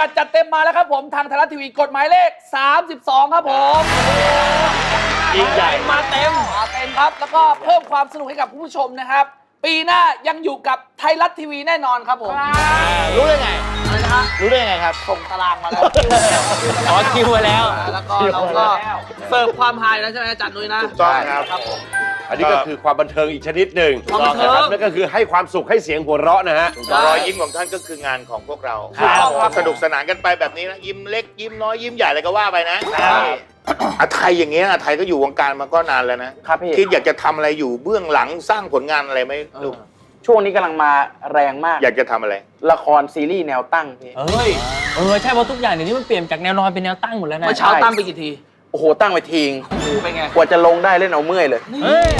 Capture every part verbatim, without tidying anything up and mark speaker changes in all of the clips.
Speaker 1: กัดจัดเต็มมาแล้วครับผมทางไทยรัฐทีวีกฎหมายเลขสามสิบสองครับผม
Speaker 2: ยิ่งใหญ่
Speaker 1: มาเต็มมาเต็มครับแล้วก็เพิ่มความสนุกให้กับผู้ชมนะครับปีหน้ายังอยู่กับไทยรัฐทีวีแน่นอนครับผม
Speaker 2: รู้ได้ไง
Speaker 1: อะไรนะฮะ
Speaker 2: รู้ได้ไงครับ
Speaker 1: ส่งตารางมาแล้ว
Speaker 2: อ๋อคิวมาแล้ว
Speaker 1: แล้วก็เราก็เสิร์ฟความฮาแล้วใช่ไหมอาจารย์นุ้ยนะ
Speaker 3: ถูกต้องครับอันนี้ก็คือความบันเทิงอีกชนิดหนึ่งนะครับนั่นก็คือให้ความสุขให้เสียงหัวเราะนะฮะ
Speaker 4: รอยยิ้มของท่านก็คืองานของพวกเราสนุกสนานกันไปแบบนี้นะยิ้มเล็กยิ้มน้อยยิ้มใหญ่อะไรก็ว่าไปนะอาไทยอย่างเงี้ยอาไทยก็อยู่วงการมาก็นานแล้วนะครับคิดอยากจะทำอะไรอยู่เบื้องหลังสร้างผลงานอะไรไหมลูก
Speaker 5: ช่วงนี้กำลังมาแรงมาก
Speaker 4: อยากจะทำอะไร
Speaker 5: ละครซีรีส์แนวตั้งพี่
Speaker 2: เฮ้ยเออใช่เพราะทุกอย่างเดี๋ยวนี้มันเปลี่ยนจากแนวนอนเป็นแนวตั้งหมดแล้วนะ
Speaker 1: เมื่อเช้าตั้งไปกี่ที
Speaker 5: โอ้โหตั้งไปทิ้ง
Speaker 1: เป็นไง
Speaker 5: กว่าจะลงได้เล่นเอาเมื่อยเลย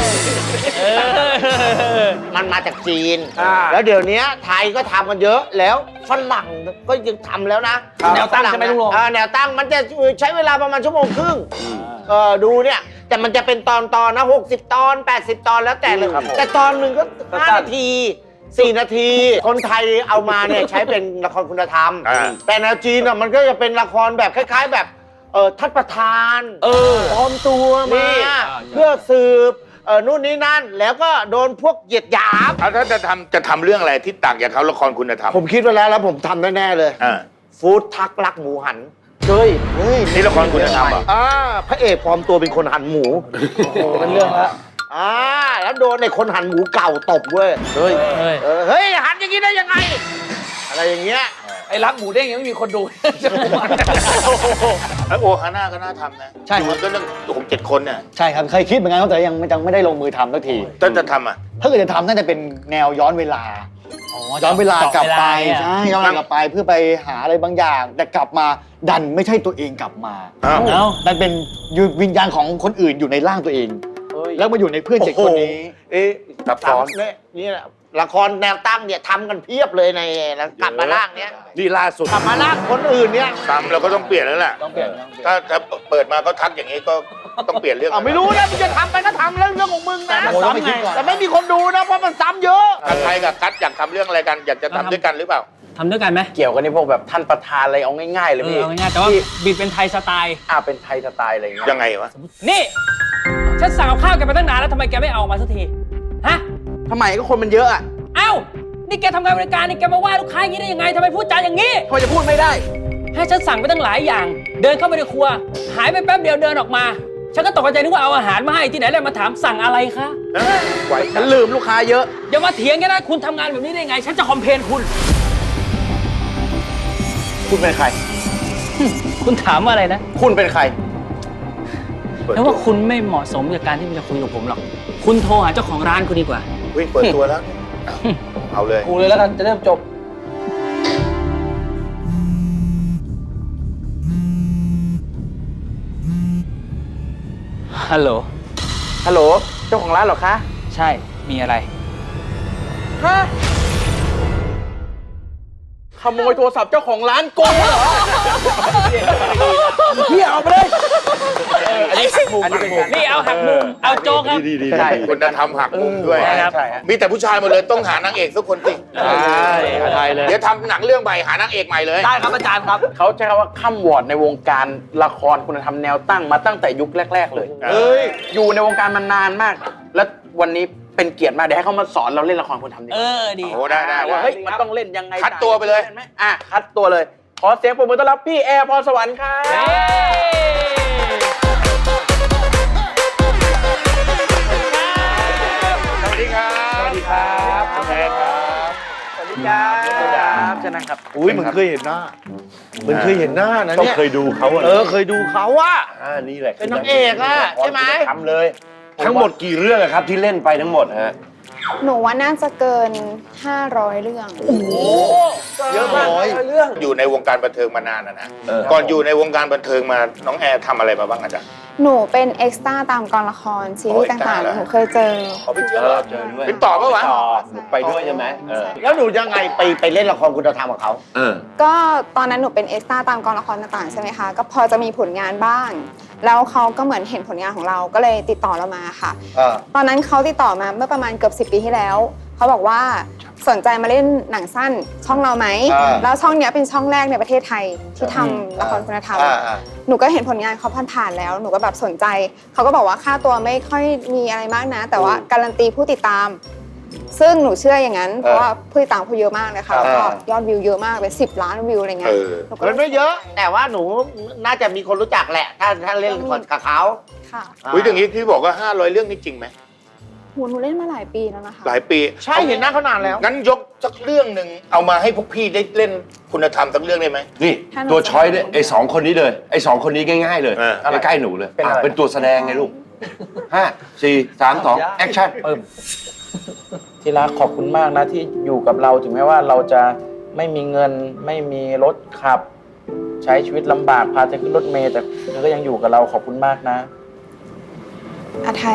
Speaker 6: มันมาจากจีนแล้วเดี๋ยวนี้ไทยก็ทำกันเยอะแล้วฝรั่งก็ยังทำแล้วนะ
Speaker 1: แนวตั้งใช่ไหมลุงลง
Speaker 6: แนวตั้งมันจะใช้เวลาประมาณชั่วโมงครึ่งเออดูเนี่ยแต่มันจะเป็นตอนตอนนะหกสิบตอนแปดสิบตอนแล้วแต่เลยแต่ตอนหนึ่งก็ห้านาทีสี่นาทีคนไทยเอามาเนี่ยใช้เป็นละครคุณธรรมแต่แนวจีนอ่ะมันก็จะเป็นละครแบบคล้ายๆแบบเออท่านประธาน
Speaker 5: เออ
Speaker 6: ปลอมตัวมาเพื่อสืบเออนู่นนี่นั่นแล้วก็โดนพวกเหยียดหยาม
Speaker 4: เอาถ้าจะทำจะทำเรื่องอะไรที่ต่างจากเขาละครคุณธรรม
Speaker 6: ผมคิดไว้แล้วแล้วผมทำแน่ๆเลยฟู้ดทักรักหมูหัน
Speaker 5: เฮ้ย
Speaker 6: เฮ้ย
Speaker 4: นี่ละครคุณธรรมเหรอ
Speaker 6: อ่าพระเอกปลอมตัวเป็นคนหั่นหมู
Speaker 5: โอ้เป็นเรื่องละ
Speaker 6: อ่าแล้วโดนในคนหั่นหมูเก่าตบเว้ย
Speaker 5: เฮ้ย
Speaker 6: เฮ้ยหั่นอย่างนี้ได้ยังไงอะไรอย่างเงี้ย
Speaker 1: ไอ้รักหมูเด้งยังไม่มีคนดู
Speaker 4: แล้วโอฮาน่าก็น่าทำนะ
Speaker 2: ใช่
Speaker 4: มันก็เรื่องหกเจ็ดคนเนี่ย
Speaker 2: ใช่ครับเคยคิดเหมือนกันแต่ยังยังไม่ได้ลงมือทำสักที
Speaker 4: ต้นจะทำอ่ะ
Speaker 2: ถ้าเกิดจะทำน่าจะเป็นแนวย้อนเวลาย้อนเวลากลับไปใช่ย้อนเวลากลับไปเพื่อไปหาอะไรบางอย่างแต่กลับมาดันไม่ใช่ตัวเองกลับมาแล้วดันเป็นวิญญาณของคนอื่นอยู่ในร่างตัวเองแล้วมาอยู่ในเพื่อนเจ็ดคนนี้
Speaker 6: เอ๊ะซับซ้อนนี่แหละละครแนวตั้งเนี่ยทำกันเพียบเลยในแล้วกลับมาล่างเนี้ย
Speaker 3: นี่ล่าสุด
Speaker 6: กลับมาล่างคนอื่นเนี่ย
Speaker 4: ทำเราก็ต้องเปลี่ยนแล้วแหละ
Speaker 2: ต้องเปลี่ยน
Speaker 4: ถ้าถ้าเปิดมาก็ทักอย่างนี้ก็ต้องเปลี่ยนเรื่อง
Speaker 6: ไม่รู้นะมึงจะทำไปก็ทำเรื่องเรื่องของมึงนะแต่ไม่มีคนดูนะเพราะมันซ้ำเยอะ
Speaker 4: ใครกับกัดอยากทำเรื่องอะไรกันอยากจะทำด้วยกันหรือเปล่า
Speaker 2: ทำด้วยกันไหม
Speaker 5: เกี่ยวกันนี่พวกแบบท่านประธานอะไรเอาง่ายๆเลยพี่
Speaker 2: เอาง่ายๆแต่ว่าบิดเป็นไทยสไตล์
Speaker 5: อ่าเป็นไทยสไตล์อะไรอย่างเงี้ย
Speaker 4: ยังไงวะ
Speaker 2: นี่ฉันสั่งกับข้าวแกไปตั้งนานแล้วทำไมแกไม่เอามาสักทีฮะ
Speaker 5: ทำไมก็คนมันเยอะอ่ะ
Speaker 2: เอ้านี่แกทำงานบริการนี่แกมาว่าลูกค้าอย่างนี้ได้ยังไงทำไมพูดจาอย่างนี้
Speaker 5: ทำไมจะพูดไม่ได้
Speaker 2: ให้ฉันสั่งไปตั้งหลายอย่างเดินเข้าไปในครัวหายไปแป๊บเดียวเดินออกมาฉันก็ตกใจนึกว่าเอาอาหารมาให้ที่ไหนเลยมาถามสั่งอะไรคะ
Speaker 5: ฉันลืมลูกค้าเยอะ
Speaker 2: อย่ามาเถียงกันนะคุณทำงานแบบนี้ได้ไงฉันจะคอมเพลนคุณ
Speaker 5: คุณเป็นใคร
Speaker 2: คุณถามว่าอะไรนะ
Speaker 5: คุณเป็นใคร
Speaker 2: แล้วว่าคุณไม่เหมาะสมกับการที่จะคุยกับผมหรอกคุณโทรหาเจ้าของร้านคุณดีกว่า
Speaker 4: วิ่งเปิดตัวแล้วเอาเลย
Speaker 1: กูเลยแล้วกันจะเริ่มจบ
Speaker 2: ฮัลโหล
Speaker 5: ฮัลโหลเจ้าของร้านเหรอคะ
Speaker 2: ใช่มีอะไร
Speaker 5: ฮะขโมยโทรศัพท์เจ้าของร้านโกงเหรอพี่เอาไปเลย
Speaker 2: อันนี้หักมุมนี่เอาหักมุมเอาโจ๊กครับ
Speaker 4: ใช่คนนั้นทำหักมุมด้วยมีแต่ผู้ชายหมดเลยต้องหานางเอกสักคนสิ
Speaker 5: ใช่ไทยเลย
Speaker 4: เดี๋ยวทำหนังเรื่องใหม่หานางเอกใหม่เลย
Speaker 1: ได้ครับอาจารย์ครับ
Speaker 5: เขาใช้คำว่าข้ามวอร์ดในวงการละครคุณธรรมแนวตั้งมาตั้งแต่ยุคแรกๆเลยเอ้ยอยู่ในวงการมานานมากและวันนี้เป็นเกียรติมากเดี๋ยวให้เขามาสอนเราเล่นละครคุณธรรมดี
Speaker 2: เออดี
Speaker 4: โอ้ได้ได้
Speaker 5: ว่าเฮ้ยมันต้องเล่นยังไง
Speaker 4: คัดตัวไปเลย
Speaker 5: อ่ะคัดตัวเลยขอเสียงปรบมือต้อนรับพี่แอร์พรสวรรค์ครับ
Speaker 4: สวัสดีครับ
Speaker 5: สวัสดีครับ
Speaker 4: สวัสดีครับ
Speaker 5: สวัสดีครับเชิญนั่งครับ
Speaker 6: อุ้ยมึงเคยเห็นหน้ามึงเคยเห็นหน้านะเนี่ย
Speaker 3: ต้องเคยดูเขา
Speaker 6: เออเคยดูเขาอ่ะ
Speaker 3: อ่านี่แหละ
Speaker 6: เป็นนางเอกอ่ะใช่ไหม
Speaker 3: ทำเลยทั้งหมดกี่เรื่องครับที่เล่นไปทั้งหมดฮะ
Speaker 7: หนูว่าน่าจะเกินห้าร้อยเรื่อง
Speaker 5: โอ้โหเยอะมากเรื่อง
Speaker 4: อยู่ในวงการบันเทิงมานานนะนะก่อนอยู่ในวงการบันเทิงมาน้องแอร์ทำอะไรมาบ้างอาจารย์
Speaker 7: หนูเป็นเอ็กซ์ตร้าตามกองละครซีรีส์ต่างๆหนูเคยเจอ
Speaker 4: เขาไปเจอเจอด้วยเป็นต่อปะวะ
Speaker 3: ไปด้วยใช่ไหม
Speaker 6: แล้วหนูยังไงไปไปเล่นละครคุณธรรมกับเขา
Speaker 7: ก็ตอนนั้นหนูเป็นเอ็กซ์ตร้าตามกองละครต่างๆใช่ไหมคะก็พอจะมีผลงานบ้างแล้วเขาก็เหมือนเห็นผลงานของเราก็เลยติดต่อเรามาค่ะตอนนั้นเขาติดต่อมาเมื่อประมาณเกือบสิบปีที่แล้วเขาบอกว่าสนใจมาเล่นหนังสั้นช่องเราไหม
Speaker 2: อ่า
Speaker 7: แล้วช่องเนี้ยเป็นช่องแรกในประเทศไทยที่ทำละครคุณธรรม
Speaker 2: อ่าอ่า
Speaker 7: หนูก็เห็นผลงานเขาผ่านๆแล้ว หนูก็แบบสนใจ เขาก็บอกว่าค่าตัวไม่ค่อยมีอะไรมากนะ แต่ว่าการันตีผู้ติดตาม ซึ่งหนูเชื่ออย่างนั้น เพราะว่าผู้ติดตามเขาเยอะมากเลยค่ะแล้วก็ยอดวิวเยอะมากเป็นสิบล้านวิวอะไรเงี้ย
Speaker 4: เออ
Speaker 7: หนูก็
Speaker 6: มันไม่เยอะ แต่ว่าหนูน่าจะมีคนรู้จักแหละ ถ้าถ้าเล่นละครกับเขา
Speaker 7: ค่ะ
Speaker 4: อุ้ยอย่างนี้ที่บอกว่าห้าร้อยเรื่องนี่จริงไหม
Speaker 7: โหหนูเล่นมาหลายปีแล้วนะคะ
Speaker 4: หลายปี
Speaker 6: ใช่เห็นหน้าเขานานแล้ว
Speaker 4: งั้นยกสักเรื่องหนึ่งเอามาให้พวกพี่ได้เล่นคุณธรรมสักเรื่องได้ไหม
Speaker 3: นี่ตัวช้อยเนี่ยไอ้สองคนนี้เลยไอ้สองคนนี้ง่ายๆเลย
Speaker 4: เออ
Speaker 3: ใกล้ๆหนูเลย
Speaker 5: เป็นอะไร
Speaker 3: อ่ะเป็นตัวแสดงไงลูกห้าสี่สามสองแอคชั่น
Speaker 5: ปึ้มที่รักขอบคุณมากนะที่อยู่กับเราถึงแม้ว่าเราจะไม่มีเงินไม่มีรถขับ ใช้ชีวิตลำบากพาเธอขึ้นรถเมล์แต่เธอก็ยังอยู่กับเราขอบคุณมากนะ
Speaker 7: อาไทย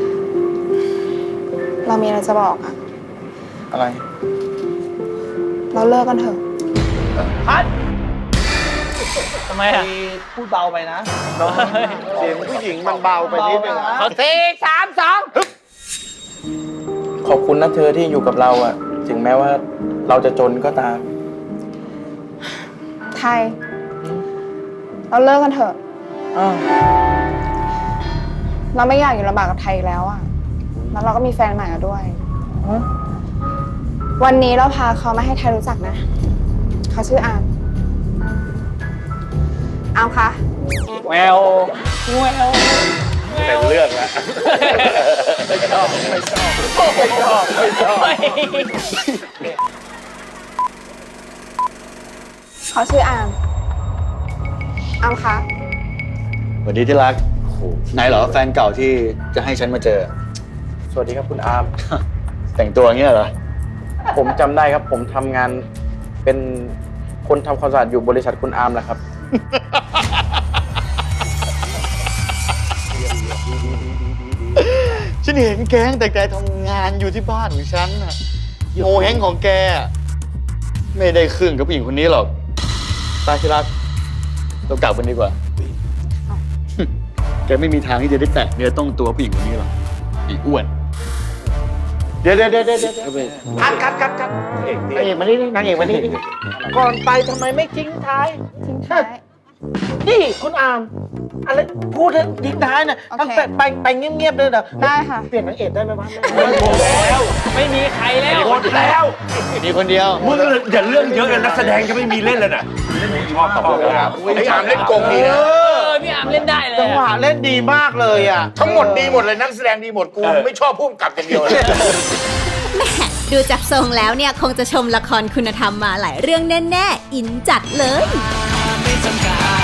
Speaker 7: เรามีอะไรจะบอกอะ
Speaker 5: อะไร
Speaker 7: เราเลิกกันเถอะ
Speaker 1: พัดทำไมอ่ะพูดเบาไปนะ
Speaker 6: เสียงผู้หญิงมันเบาไปนิดนึง
Speaker 1: เบาไปนะ
Speaker 6: สี่สามสอง
Speaker 5: ขอบคุณนะเธอที่อยู่กับเราอะถึงแม้ว่าเราจะจนก็ตาม
Speaker 7: ไทย เราเลิกกันเถอะ
Speaker 5: อ้าว
Speaker 7: เราไม่อยากอยู่ลำบากกับไทยอีกแล้วอะแล้วเราก็มีแฟนใหม่แล้วด้วย วันนี้เราพาเขามาให้ไทยรู้จักนะ เขาชื่ออาม อามคะ
Speaker 1: แววแวว
Speaker 4: เป็นเรื่องแล้ว
Speaker 1: ไม่ชอบไม่ชอบไม่ชอบไม่ชอบ
Speaker 7: เขาชื่ออาม อามคะ
Speaker 2: สวัสดีที่รักนายเหรอแฟนเก่าที่จะให้ฉันมาเจอ
Speaker 5: สวัสดีครับคุณอาร์ม
Speaker 2: แต่งตัวอย่างเงี้ยเหรอ
Speaker 5: ผมจำได้ครับ ผมทำงานเป็นคนทำความสะอาดอยู่บริษัทคุณอาร์มแหละครับ
Speaker 2: ฉันเห็นแกตั้งแต่แกทำงานอยู่ที่บ้านของฉันน่ะโงเฮงของแกอะไม่ได้ครึ่งกับผู้หญิงคนนี้หรอกตาที่รักเรากลับกันดีกว่า แกไม่มีทางที่จะได้แตะเนื้อต้องตัวผู้หญิงคนนี้หรอกไอ้อ้วน
Speaker 6: เดี๋ยวเดี๋ยวเดี๋ยวเดี๋ยวคัดคัดคัดคัดนางเอกมานี่นางเอกมานี่ก่อนไปทำไมไม่ทิ้งท้าย
Speaker 7: ทิ้งท้าย
Speaker 6: นี่คุณอามอะไรพูดให้ทิ้งท้ายนะ
Speaker 7: โอเค
Speaker 6: ตั้งแต่ไปไปเงียบๆเลยนะ
Speaker 7: ได้ค่ะ
Speaker 6: เปลี่ยนนางเอกได้ไหมวะ
Speaker 1: แล้วไม่มีใครแล้ว
Speaker 3: หมดแล้ว
Speaker 2: มีคนเดียว
Speaker 3: มึงอย่าเรื่องเยอะเลยนักแสดงจะไม่มีเล่นเลยน่ะชอบตอบครับ
Speaker 4: ไอ้อามเล่นโกงดีนะ
Speaker 1: เออพี่อามเล่นได้เลย
Speaker 6: จังหวะเล่นดีมากเลยอ่ะ
Speaker 4: ทั้งหมดดีหมดเลยนักแสดงดีหมดกูไม่ชอบพุ่มกับอย่างเดียวเลย
Speaker 8: แหม่ดูจากทรงแล้วเนี่ย คงจะชมละครคุณธรรมมาหลายเรื่องแน่ ๆ อินจัดเลย
Speaker 9: ไม่จำกัด